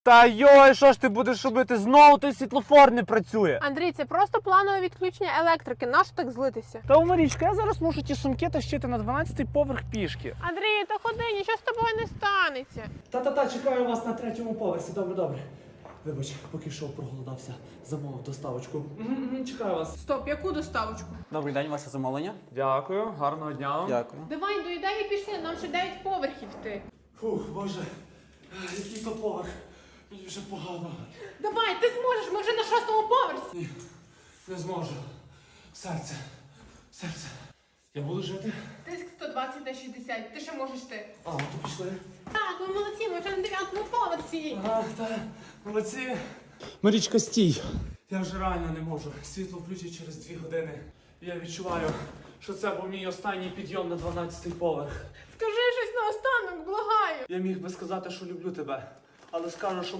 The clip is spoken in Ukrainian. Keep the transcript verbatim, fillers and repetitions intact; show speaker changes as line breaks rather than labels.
Та йой, що ж ти будеш робити? Знову той світлофор не працює.
Андрій, це просто планове відключення електрики. Нащо так злитися?
Та, Марічка, я зараз мушу ті сумки тащити на дванадцятий поверх пішки.
Андрій, то ходи, нічого з тобою не станеться.
Та-та-та, чекаю вас на третьому поверсі. Добре, добре. Вибач, поки йшов, проголодався, замовив доставочку. Угу, чекаю вас.
Стоп, яку доставочку?
Добрий день, ваше замовлення.
Дякую, гарного дня вам.
Дякую.
Давай, доїдай і пішли, нам ще дев'ять поверхів йти.
Фух, боже, який то поверх. Мені вже погано.
Давай, ти зможеш, ми вже на шостому поверсі.
Ні, не зможу. Серце, серце. Я буду жити?
Тиск сто двадцять на шістдесят, ти ще можеш ти.
А, то пішли.
Так, ми молодці, ми вже на дев'ятому поверсі.
А, так, молодці. Марічка, стій. Я вже реально не можу. Світло включить через дві години. Я відчуваю, що це був мій останній підйом на дванадцятий поверх.
Скажи щось наостанок, благаю.
Я міг би сказати, що люблю тебе, але скажу, що